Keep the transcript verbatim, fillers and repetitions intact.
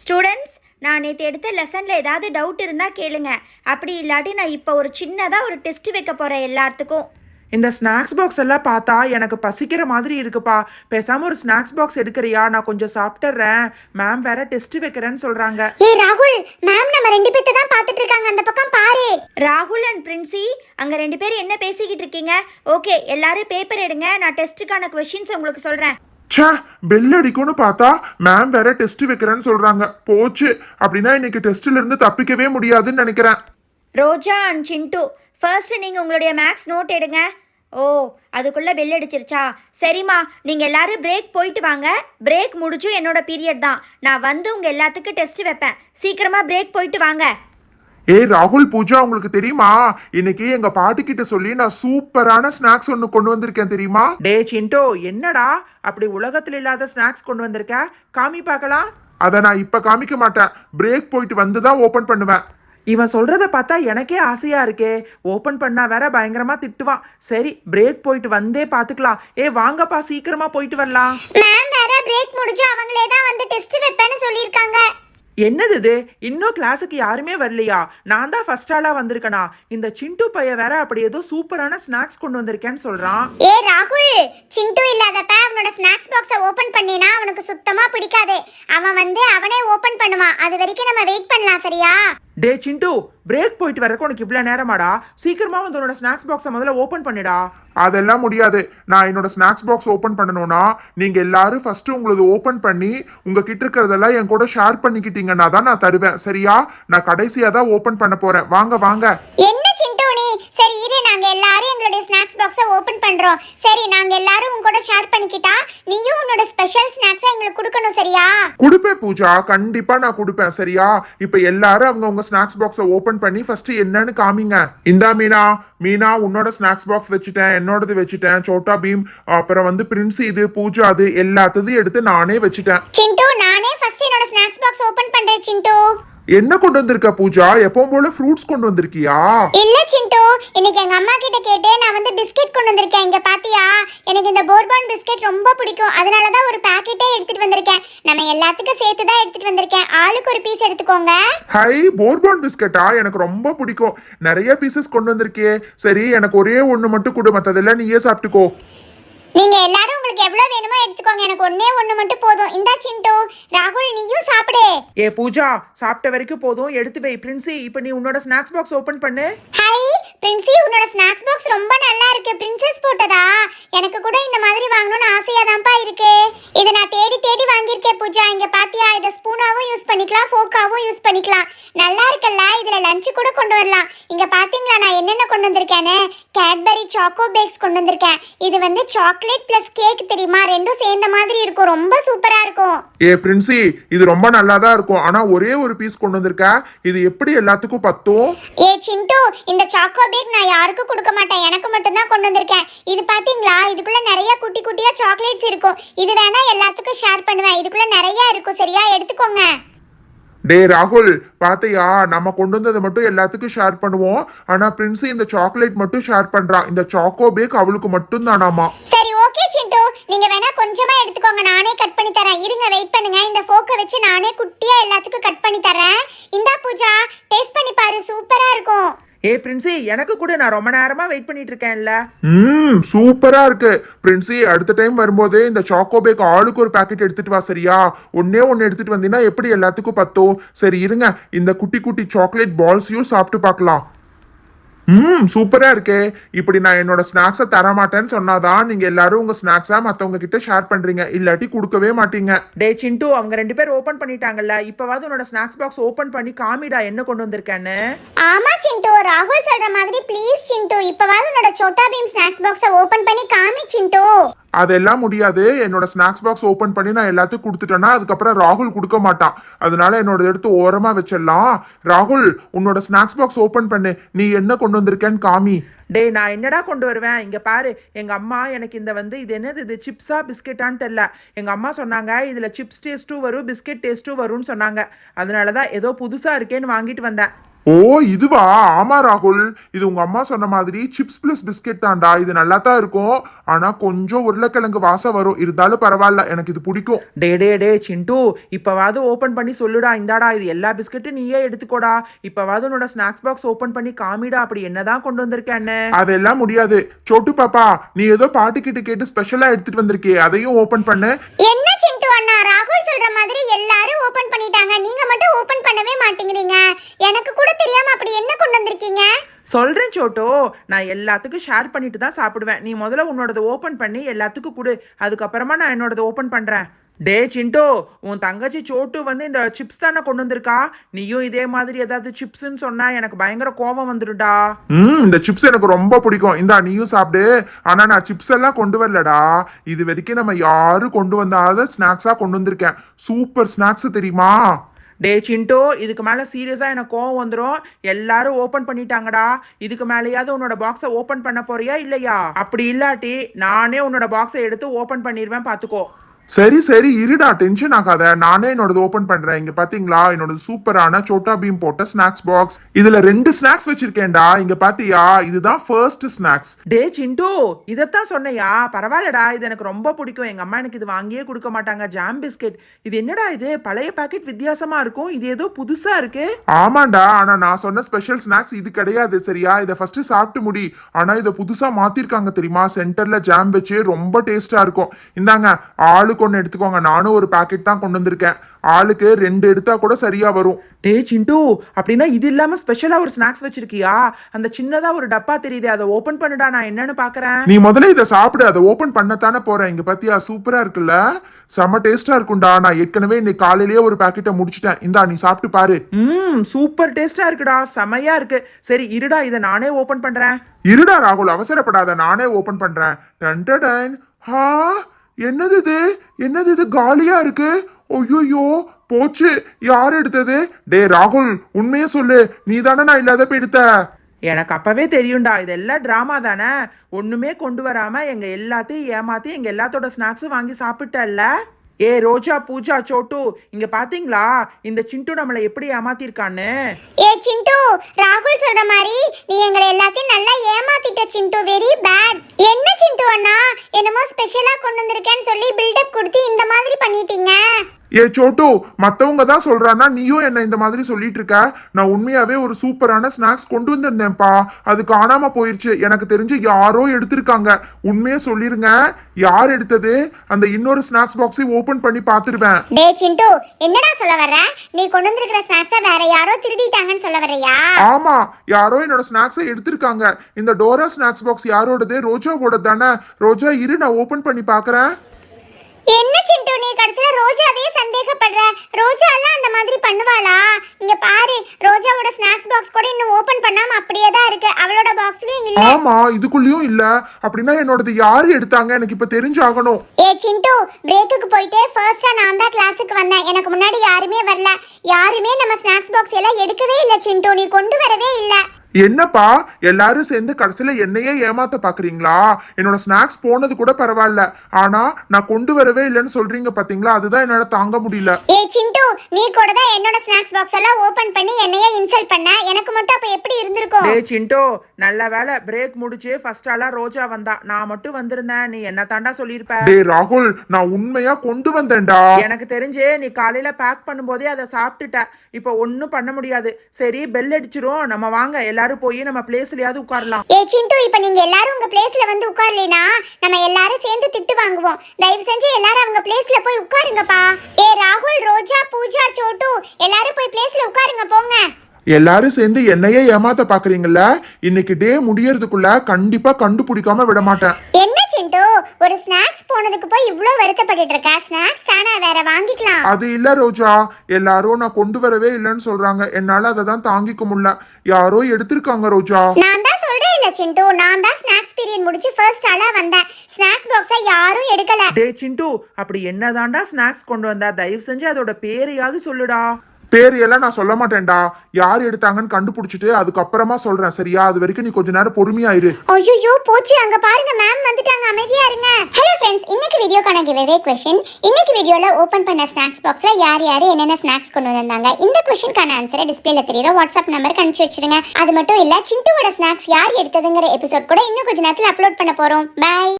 Students, நான் நேற்று எடுத்த லெசனில் ஏதாவது டவுட் இருந்தால் கேளுங்க. அப்படி இல்லாட்டி நான் இப்போ ஒரு சின்னதாக ஒரு டெஸ்ட் வைக்க போகிறேன் எல்லாத்துக்கும். இந்த ஸ்நாக்ஸ் பாக்ஸ் எல்லாம் பார்த்தா எனக்கு பசிக்கிற மாதிரி இருக்குப்பா. பேசாம ஒரு ஸ்நாக்ஸ் பாக்ஸ் எடுக்கிறியா? நான் கொஞ்சம் சாப்பிட்டுறேன். மேம் வேற டெஸ்ட் வைக்கிறேன்னு சொல்றாங்க. ஏய் ராகுல், மேம் நம்ம ரெண்டு பேர்த்த தான் பார்த்துட்டு இருக்காங்க. அந்த பக்கம் பாரு. ராகுல் அண்ட் பிரின்சி, அங்கே ரெண்டு பேரும் என்ன பேசிக்கிட்டு இருக்கீங்க? ஓகே, எல்லாரும் பேப்பர் எடுங்க. நான் டெஸ்ட்டுக்கான கொஷின்ஸ் உங்களுக்கு சொல்கிறேன். ச்சே, பெல் அடிக்கும்னு பார்த்தா மேம் வேற டெஸ்ட் வைக்கிறேன்னு சொல்றாங்க. போச்சு, அப்படின்னா இன்னைக்கு டெஸ்ட்ல இருந்து தப்பிக்கவே முடியாதுன்னு நினைக்கிறேன். ரோஜா அண்ட் சிண்டு, ஃபர்ஸ்ட் நீங்கள் உங்களுடைய மேக்ஸ் நோட் எடுங்க. ஓ, அதுக்குள்ளே பெல் அடிச்சிருச்சா? சரிம்மா, நீங்கள் எல்லாரும் பிரேக் போயிட்டு வாங்க. பிரேக் முடிச்சும் என்னோட பீரியட் தான். நான் வந்து உங்கள் எல்லாத்துக்கும் டெஸ்ட் வைப்பேன். சீக்கிரமாக பிரேக் போயிட்டு வாங்க. ஏய் ராகுல், பூஜா, உங்களுக்கு தெரியுமா இன்னைக்கு எங்க பாட்டி கிட்ட சொல்லி நான் சூப்பரான ஸ்நாக்ஸ் ஒன்னு கொண்டு வந்திருக்கேன் தெரியுமா? டே சிண்டோ, என்னடா அப்படி உலகத்துல இல்லாத ஸ்நாக்ஸ் கொண்டு வந்திருக்க? காமி பார்க்கலாம். அதை நான் இப்ப காமிக்க மாட்டேன். பிரேக் போயிட்டு வந்து தான் ஓபன் பண்ணுவேன். இவன் சொல்றத பார்த்தா எனக்கே ஆசையா இருக்கே. ஓபன் பண்ணா வேற பயங்கரமா திட்டுவான். சரி, பிரேக் போயிட்டு வந்தே பாத்துக்கலாம். ஏ வாங்கப்பா, சீக்கிரமா போயிட்டு வரலாம். மேம் வேற பிரேக் முடிஞ்சு அவங்களே தான் வந்து டெஸ்ட் வைப்பேன்னு சொல்லியிருக்காங்க. என்னது இது? இன்னும் கிளாஸுக்கு யாருமே வரலையா? நான் தான் ஃபர்ஸ்ட் ஆளா வந்திருக்கனா? இந்த சிண்டு பைய வேற அப்படி ஏதோ சூப்பரான ஸ்நாக்ஸ் கொண்டு வந்திருக்கேன்னு சொல்றான். ஏ ராகுல், சிண்டு இல்லாதப்ப அவனோட ஸ்நாக்ஸ் பாக்ஸை ஓபன் பண்ணினா அவனுக்கு சுத்தமா பிடிக்காது. அவன் வந்து அவனே ஓபன் பண்ணுவான். அது வரைக்கும் நம்ம வெயிட் பண்ணலாம், சரியா? டே சிண்டு, பிரேக் போயிட்டு வரக்கு உனக்கு இவ்வளவு நேரமாடா? சீக்கிரமா வந்து உன்னோட ஸ்நாக்ஸ் பாக்ஸை முதல்ல ஓபன் பண்ணிடா. அதெல்லாம் முடியாது. நான் என்னோட ஸ்நாக்ஸ் பாக்ஸ் ஓபன் பண்ணணும்னா நீங்க எல்லாரும் ஃபர்ஸ்ட் உங்களது ஓபன் பண்ணி உங்ககிட்ட இருக்கிறதெல்லாம் என் கூட ஷேர் பண்ணிக்கிட்டீங்கன்னா தான் நான் தருவேன், சரியா? நான் கடைசியா தான் ஓபன் பண்ண போறேன். வாங்க வாங்க. என்ன சிண்டு நீ? சரி இரு, நாங்க எல்லாரும் எங்களுடைய ஸ்நாக்ஸ் பாக்ஸை ஓபன் பண்றோம். சரி, நாங்க எல்லாரும் உங்க கூட ஷேர் பண்ணிக்கிட்டா நீயும் உன்னோட ஸ்பெஷல் ஸ்நாக்ஸை எங்களுக்கு கொடுக்கணும், சரியா? கொடுப்பேன் பூஜா, கண்டிப்பா நான் கொடுப்பேன், சரியா? இப்ப எல்லாரும் அவங்க உங்க ஸ்நாக்ஸ் பாக்ஸை ஓபன் பண்ணி ஃபர்ஸ்ட் என்னன்னு காமிங்க. இந்தா மீனா, மீனா உன்னோட ஸ்நாக்ஸ் பாக்ஸ் வச்சுட்டேன், என்னோடது வச்சுட்டேன், சோட்டா பீம், அப்புறம் வந்து பிரின்ஸ், இது பூஜா, அது எல்லாத்தையும் எடுத்து நானே வச்சுட்டேன். சிண்டு, நானே ஃபர்ஸ்ட் என்னோட ஸ்நாக்ஸ் பாக்ஸ் ஓபன் பண்றேன். சிண்டு, என்ன கொண்டு வந்திருக்க பூஜா? எப்பவும் போல ஃப்ரூட்ஸ் கொண்டு வந்திருக்கியா? இல்ல சிண்டு, இன்னைக்கு எங்க அம்மா கிட்ட கேட்டு நான் வந்து பிஸ்கட் கொண்டு வந்திருக்கேன். இங்க பாத்தியா, எனக்கு இந்த போர்பான் பிஸ்கட் ரொம்ப பிடிக்கும். அதனால தான் ஒரு பாக்கெட்டே எடுத்துட்டு வந்திருக்கேன். நம்ம எல்லாத்துக்கும் சேர்த்து தான் எடுத்துட்டு வந்திருக்கேன். ஆளுக்கு ஒரு பீஸ் எடுத்துக்கோங்க. ஹை, போர்பான் பிஸ்கட்டா? எனக்கு ரொம்ப பிடிக்கும். நிறைய பீசஸ் கொண்டு வந்திருக்கே. சரி, எனக்கு ஒரே ஒண்ணு மட்டும் கொடு, மத்ததெல்லாம் நீயே சாப்பிட்டுக்கோ. நீங்க எல்லாரும் உங்களுக்கு எவ்வளவு வேணுமோ எடுத்துக்கோங்க. எனக்கு ஒண்ணே ஒண்ணு மட்டும் போதும். இந்தா சிண்டு, ராகுல் நீயும் சாப்பிடு. ஏ பூஜா, சாப்பிட்ட வரைக்கும் போதும், எடுத்து வை. பிரின்சி, இப்போ நீ உன்னோட ஸ்நாக்ஸ் பாக்ஸ் ஓபன் பண்ணு. ஹை பிரின்சி, உன்னோட ஸ்நாக்ஸ் பாக்ஸ் ரொம்ப நல்லா இருக்கு. பிரின்சஸ் போட்டதா? எனக்கு கூட இந்த மாதிரி வாங்கணும்னு ஆசையா தான்ப்பா இருக்கு. இதை நான் தேடி தேடி வாங்கியிருக்கேன் பூஜா. இங்க பாத்தியா, இதை ஸ்பூனாவும் யூஸ் பண்ணிக்கலாம், ஃபோக்காவும் யூஸ் பண்ணிக்கலாம். நல்லா இருக்குல்ல? இதுல லஞ்ச் கூட கொண்டு வரலாம். இங்க பாத்தீங்களா நான் என்னென்ன கொண்டு வந்திருக்கேன்னு? கேட்பரி சாக்கோ பேக்ஸ் கொண்டு வந்திருக்கேன். இது வந்து சாக்லேட் பிளஸ் கேக், தெரியுமா? ரெண்டும் சேர்ந்த மாதிரி இருக்கும். ரொம்ப சூப்பரா இருக்கும். ஏ பிரின்சி, இது ரொம்ப நல்லா தான் இருக்கும். ஆனா ஒரே ஒரு பீஸ் கொண்டு வந்திருக்க. இது எப்படி எல்லாத்துக்கும் பத்தும்? ஏ சிண்டு, இந்த சாக்கோ பேக் நான் யாருக்கும் கொடுக்க மாட்டேன். எனக்கு மட்டும் தான் கொண்டு வந்திருக்கேன். இது பாத்தீங்களா, இதுக்குள்ள நிறைய குட்டி குட்டியா சாக்லேட்ஸ் இருக்கும். இது வேணா எல்லாத்துக்கும் ஷேர் பண்ணுவேன். இதுக்குள்ள நிறைய இருக்கும், சரியா? எடுத்துக்கோங்க. டே ராகுல், பாத்தையா, நம்ம கொண்டு வந்ததை மட்டும் எல்லாத்துக்கும் ஷேர் பண்ணுவோம். ஆனா பிரின்சி இந்த சாக்லேட் மட்டும் ஷேர் பண்றா. இந்த சாக்கோ பேக் அவளுக்கு மட்டும் தானாமா. சரி ஓகே சிண்டு, நீங்க வேணா கொஞ்சமா எடுத்துக்கோங்க. நானே கட் பண்ணி தரேன். இருங்க, வெயிட் பண்ணுங்க. இந்த ஃபோக்கை வச்சு நானே குட்டியா எல்லாத்துக்கும் கட் பண்ணி தரேன். இந்தா பூஜா, டேஸ்ட் பண்ணி பாரு. சூப்பரா இருக்கும். ஏ பிரின்சி, எனக்கு கூட, நான் ரொம்ப நேரமா வெயிட் பண்ணிட்டு இருக்கேன்ல. ம் சூப்பரா இருக்கு. பிரின்சி, அடுத்த டைம் வரும்போது இந்த சாக்கோ பேக் ஆளுக்கு ஒரு பாக்கெட் எடுத்துட்டு வா, சரியா? ஒன்னே ஒன்னு எடுத்துட்டு வந்தீங்கன்னா எப்படி எல்லாத்துக்கும் பத்தும்? சரி இருங்க, இந்த குட்டி குட்டி சாக்லேட் பால்ஸையும் சாப்பிட்டு பார்க்கலாம். ம் சூப்பரா இருக்கே. இப்படி நான் என்னோட ஸ்நாக்ஸை தர மாட்டேன்னு சொன்னாதான் நீங்க எல்லாரும் உங்க ஸ்நாக்ஸா மத்தவங்க கிட்ட ஷேர் பண்றீங்க, இல்லாட்டி கொடுக்கவே மாட்டீங்க. டே சிண்டு, அவங்க ரெண்டு பேர் ஓபன் பண்ணிட்டாங்கல்ல, இப்பவாவது உன்னோட ஸ்நாக்ஸ் பாக்ஸ் ஓபன் பண்ணி காமிடா என்ன கொண்டு வந்திருக்கேன்னு. ஆமா சிண்டு, ராகுல் சொல்ற மாதிரி ப்ளீஸ் சிண்டு, இப்பவாவது உன்னோட சோட்டா பீம் ஸ்நாக்ஸ் பாக்ஸை ஓபன் பண்ணி காமி சிண்டு. அதெல்லாம் முடியாது. என்னோட ஸ்நாக்ஸ் பாக்ஸ் ஓபன் பண்ணி நான் எல்லாத்துக்கும் கொடுத்துட்டேன்னா அதுக்கப்புறம் ராகுல் கொடுக்க மாட்டான். அதனால என்னோட எடுத்து ஓரமா வச்சிடலாம். ராகுல், உன்னோட ஸ்நாக்ஸ் பாக்ஸ் ஓபன் பண்ணு. நீ என்ன கொண்டு வந்திருக்கேன்னு காமி. டே, நான் என்னடா கொண்டு வருவேன்? இங்க பாரு, எங்க அம்மா எனக்கு இந்த வந்து இது என்னது, இது சிப்ஸா பிஸ்கெட்டான்னு தெரியல. எங்க அம்மா சொன்னாங்க இதுல சிப்ஸ் டேஸ்ட்டும் வரும், பிஸ்கெட் டேஸ்ட்டும் வரும்னு சொன்னாங்க. அதனாலதான் ஏதோ புதுசா இருக்கேன்னு வாங்கிட்டு வந்தேன். ஓ இதுவா? ஆமா ராகுல், இது உங்க அம்மா சொன்ன மாதிரி சிப்ஸ் பிளஸ் பிஸ்கெட் தான்டா. இது நல்லா தான் இருக்கும், ஆனா கொஞ்சம் உருளைக்கிழங்கு வாசம் வரும். இருந்தாலும் பரவாயில்ல, எனக்கு இது பிடிக்கும். டே டே டே சிண்டு, இப்போவாது ஓப்பன் பண்ணி சொல்லுடா. இந்தாடா, இது எல்லா பிஸ்கெட்டும் நீயே எடுத்துக்கோடா. இப்போவாது உன்னோட ஸ்நாக்ஸ் பாக்ஸ் ஓப்பன் பண்ணி காமிடா, அப்படி என்னதான் கொண்டு வந்திருக்கேன்னு. அதெல்லாம் முடியாது. சோட்டு பாப்பா, நீ ஏதோ பாட்டு கிட்ட கேட்டு ஸ்பெஷலா எடுத்துட்டு வந்திருக்கே, அதையும் ஓபன் பண்ணு. என்ன சிண்டு அண்ணா, ராகுல் சொல்ற மாதிரி எல்லாரும் ஓபன் பண்ணிட்டாங்க, நீங்க மட்டும் ஓபன் பண்ணவே மாட்டேங்கிறீங்க. எனக்கு கூட தெரியாம அப்படி என்ன கொண்டு வந்திருக்கீங்க? சொல்றேன் சோட்டோ, நான் எல்லாத்துக்கும் ஷேர் பண்ணிட்டு தான் சாப்பிடுவேன். நீ முதல்ல உன்னோடது ஓப்பன் பண்ணி எல்லாத்துக்கும் கொடு, அதுக்கப்புறமா நான் என்னோடது ஓப்பன் பண்றேன். டே சிண்டோ, உன் தங்கச்சி சோட்டு வந்து இந்த சிப்ஸ் தானே கொண்டு வந்திருக்கா. நீயும் இதே மாதிரி ஏதாவது சிப்ஸ்ன்னு சொன்னா எனக்கு பயங்கர கோபம் வந்துடுடா. ம் இந்த சிப்ஸ் எனக்கு ரொம்ப பிடிக்கும். இந்தா நீயும் சாப்பிடு. ஆனா நான் சிப்ஸ் எல்லாம் கொண்டு வரலடா. இது வரைக்கும் நம்ம யாரும் கொண்டு வந்தாத ஸ்நாக்ஸா கொண்டு வந்திருக்கேன். சூப்பர் ஸ்நாக்ஸ் தெரியுமா? டே சிண்டோ, இதுக்கு மேலே சீரியஸாக எனக்கு கோவம் வந்துடும். எல்லாரும் ஓப்பன் பண்ணிட்டாங்கடா. இதுக்கு மேலேயாவது உன்னோட பாக்ஸை ஓப்பன் பண்ண போறியா இல்லையா? அப்படி இல்லாட்டி நானே உன்னோட பாக்ஸை எடுத்து ஓப்பன் பண்ணிடுவேன், பார்த்துக்கோ. சரி சரி இருடா, டென்ஷன் ஆகாத. நானே என்னோடது ஓபன் பண்றேன். இங்க பாத்தீங்களா, என்னோட சூப்பரான சோட்டா பீம் போட்ட ஸ்நாக்ஸ் பாக்ஸ். இதுல ரெண்டு ஸ்நாக்ஸ் வச்சிருக்கேன்டா. இங்க பாத்தியா, இதுதான் ஃபர்ஸ்ட் ஸ்நாக்ஸ். டே சிண்டு, இதைத்தான் சொன்னையா? பரவாயில்லடா, இது எனக்கு ரொம்ப பிடிக்கும். எங்க அம்மா எனக்கு இது வாங்கியே கொடுக்க மாட்டாங்க. Jam biscuit. இது என்னடா இது? பழைய பாக்கெட் வித்தியாசமா இருக்கும், இது ஏதோ புதுசா இருக்கு. ஆமாண்டா, ஆனா நான் சொன்ன ஸ்பெஷல் ஸ்நாக்ஸ் இது கிடையாது. சரியா, இதை ஃபர்ஸ்ட் சாப்பிட்டு முடி. ஆனா இதை புதுசா மாத்திருக்காங்க தெரியுமா? சென்டர்ல ஜாம் வச்சு ரொம்ப டேஸ்டா இருக்கும். இந்தாங்க, ஆளுக்கு ஒன்று எடுத்துக்கோங்க. நானும் ஒரு பாக்கெட் தான் கொண்டு வந்திருக்கேன். ஆளுக்கு ரெண்டு எடுத்தா கூட சரியா வரும். டே சிண்டு, அப்படின்னா இது இல்லாம ஸ்பெஷலா ஒரு ஸ்நாக்ஸ் வச்சிருக்கியா? அந்த சின்னதா ஒரு டப்பா தெரியுது, அதை ஓபன் பண்ணுடா, நான் என்னன்னு பாக்குறேன். நீ முதல்ல இதை சாப்பிடு. அதை ஓபன் பண்ணத்தானே போறேன். இங்க பாத்தியா, சூப்பரா இருக்குல்ல? செம்ம டேஸ்டா இருக்கும்டா. நான் ஏற்கனவே இன்னைக்கு காலையிலேயே ஒரு பாக்கெட்டை முடிச்சிட்டேன். இந்தா நீ சாப்பிட்டு பாரு. ம் சூப்பர் டேஸ்டா இருக்குடா, செமையா இருக்கு. சரி இருடா, இதை நானே ஓபன் பண்றேன். இருடா ராகுல், அவசரப்படாத, நானே ஓபன் பண்றேன். டன் டன் டன். ஹா, என்னது இது? என்னது இது? காலியா இருக்கு. ஐயோ போச்சு, யார் எடுத்தது? டே ராகுல், உண்மையே சொல்லு, நீ தானே நான் இல்லாதப்ப எடுத்த? எனக்கு அப்பவே தெரியும்டா, இதெல்லாம் டிராமா தானே. ஒண்ணுமே கொண்டு வராம எங்க எல்லாத்தையும் ஏமாத்தி எங்க எல்லாத்தோட ஸ்நாக்ஸும் வாங்கி சாப்பிட்டல்ல. ஏ ரோஜா, பூஜா, சோட்டு, இங்க பாத்தீங்களா இந்த சிண்டு நம்மளை எப்படி ஏமாத்திருக்கான்னு? ஏ சிண்டு, ராகுல் சொல்ற மாதிரி நீ எங்களை எல்லாத்தையும் நல்லா ஏமாத்திட்ட சிண்டு. Very bad. என்ன சிண்டு அண்ணா, என்னமோ ஸ்பெஷலா கொண்டு வந்திருக்கேன்னு சொல்லி பில்டப் கொடுத்து இந்த மாதிரி பண்ணிட்டீங்க. ஏ சோட்டு, மத்தவங்க தான் சொல்றானா, நீயும் என்ன இந்த மாதிரி சொல்லிட்டு இருக்க? நான் உண்மையாவே ஒரு சூப்பரான ஸ்நாக்ஸ் கொண்டு வந்திருந்தேன்ப்பா, அது காணாம போயிருச்சு. எனக்கு தெரிஞ்சு யாரோ எடுத்திருக்காங்க. உண்மையே சொல்லிருங்க, யார் எடுத்தது? அந்த இன்னொரு ஸ்நாக்ஸ் பாக்ஸை ஓபன் பண்ணி பாத்துருவேன். டே சிண்டு, என்னடா சொல்ல வர்ற? நீ கொண்டு வந்திருக்கிற ஸ்நாக்ஸை வேற யாரோ திருடிட்டாங்கன்னு சொல்ல வர்றியா? ஆமா, யாரோ என்னோட ஸ்நாக்ஸை எடுத்திருக்காங்க. இந்த டோரா ஸ்நாக்ஸ் பாக்ஸ் யாரோடது? ரோஜாவோட தானே? ரோஜா, இரு நான் ஓபன் பண்ணி பாக்குறேன். என்ன சிண்டு, நீ கடைசியில ரோஜாவே சந்தேகப்படுற? ரோஜா எல்லாம் அந்த மாதிரி பண்ணுவாளா? இங்க பாரு, ரோஜாவோட ஸ்நாக்ஸ் பாக்ஸ் கூட இன்னும் ஓபன் பண்ணாம அப்படியே தான் இருக்கு. அவளோட பாக்ஸ்லயும் இல்ல. ஆமா, இதுக்குள்ளயும் இல்ல. அப்படின்னா என்னோடது யாரு எடுத்தாங்க? எனக்கு இப்ப தெரிஞ்சாகணும். ஏ சிண்டு, பிரேக்குக்கு போயிட்டு ஃபர்ஸ்டா நான் தான் கிளாஸுக்கு வந்தேன். எனக்கு முன்னாடி யாருமே வரல. யாருமே நம்ம ஸ்நாக்ஸ் பாக்ஸ் எல்லாம் எடுக்கவே இல்ல சிண்டு. நீ கொண்டு வரவே இல்ல. என்னப்பா, எல்லாரும் சேர்ந்து கடைசியில என்னையே ஏமாத்த பாக்குறீங்களா? என்னோட ஸ்நாக்ஸ் போனது கூட பரவாயில்ல, ஆனா நான் கொண்டு வரவே இல்லைன்னு சொல்றீங்க பாத்தீங்களா? அதுதான் என்னால தாங்க முடியல. ஏ சிண்டு, நீ கூட தான் என்னோட ஸ்நாக்ஸ் பாக்ஸ் எல்லாம் ஓபன் பண்ணி என்னையே இன்சல்ட் பண்ண. எனக்கு மட்டும் அப்ப எப்படி இருந்திருக்கும்? டே சிண்டோ, நல்ல வேலை பிரேக் முடிச்சு ஃபர்ஸ்ட் ஆளா ரோஜா வந்தா. நான் மட்டும் வந்திருந்தேன், நீ என்ன தாண்டா சொல்லியிருப்ப. டே ராகுல், நான் உண்மையா கொண்டு வந்தேன்டா. எனக்கு தெரிஞ்சு நீ காலையில பேக் பண்ணும்போதே அதை சாப்பிட்டுட்ட. இப்போ ஒன்றும் பண்ண முடியாது. சரி, பெல் அடிச்சிரும், நம்ம வாங்க எல்லாரும் போய் நம்ம பிளேஸ்லயாவது உட்காரலாம். ஏ சிண்டு, இப்போ நீங்க எல்லாரும் உங்க பிளேஸ்ல வந்து உட்காரலைனா நம்ம எல்லாரும் சேர்ந்து திட்டு வாங்குவோம். தயவு செஞ்சு எல்லாரும் அவங்க பிளேஸ்ல போய் உட்காருங்கப்பா. ஏ ராகுல், ரோஜா, பூஜா, சோட்டு, எல்லாரும் போய் பிளேஸ்ல உட்காருங்க, போங்க. எல்லாரும் சேர்ந்து என்னையே ஏமாத்த பாக்குறீங்கல்ல? இன்னைக்கு டே முடியறதுக்குள்ள கண்டிப்பா கண்டுபிடிக்காம விட மாட்டேன். என்ன சிண்டு, ஒரு ஸ்நாக்ஸ் போனதுக்கு போய் இவ்ளோ வருத்தப்பட்டுட்டு இருக்க? ஸ்நாக்ஸ் தானே, வேற வாங்கிக்கலாம். அது இல்ல ரோஜா, எல்லாரும் நான் கொண்டு வரவே இல்லைன்னு சொல்றாங்க. என்னால அதை தான் தாங்கிக்க முடியல. யாரோ எடுத்திருக்காங்க ரோஜா. நான் தான் சொல்றேன் இல்ல சிண்டு, நான் தான் ஸ்நாக்ஸ் பீரியட் முடிச்சு ஃபர்ஸ்ட் ஆளா வந்தேன். ஸ்நாக்ஸ் பாக்ஸை யாரும் எடுக்கல. டே சிண்டு, அப்படி என்னதாண்டா ஸ்நாக்ஸ் கொண்டு வந்தா? தயவு செஞ்சு அதோட பேரையாவது சொல்லுடா. பேர் எல்லாம் நான் சொல்ல மாட்டேன்டா. யார் எடுத்தாங்கன்னு கண்டுபிடிச்சிட்டு அதுக்கப்புறமா சொல்றேன், சரியா? அது வரைக்கும் நீ கொஞ்ச நேரம் பொறுமையா இரு. ஐயோ போச்சு, அங்க பாருங்க மேம் வந்துட்டாங்க, அமைதியா இருங்க. ஹலோ ஃப்ரெண்ட்ஸ், இன்னைக்கு வீடியோக்கான உங்களுக்கான கிவ்அவே கொஸ்டின். இன்னைக்கு வீடியோல ஓபன் பண்ண ஸ்நாக்ஸ் பாக்ஸ்ல யார் யார் என்னென்ன ஸ்நாக்ஸ் கொண்டு வந்தாங்க, இந்த கொஸ்டினுக்கான ஆன்சரை டிஸ்பிளேல தெரியுற வாட்ஸ்அப் நம்பருக்கு அனுப்பிச்சு வச்சிருங்க. அது மட்டும் இல்ல, சிண்டுவோட ஸ்நாக்ஸ் யார் எடுத்ததுங்கிற எபிசோட் கூட இன்னும் கொஞ்ச நேரத்தில் அப்லோட் பண்ண போறோம். பை.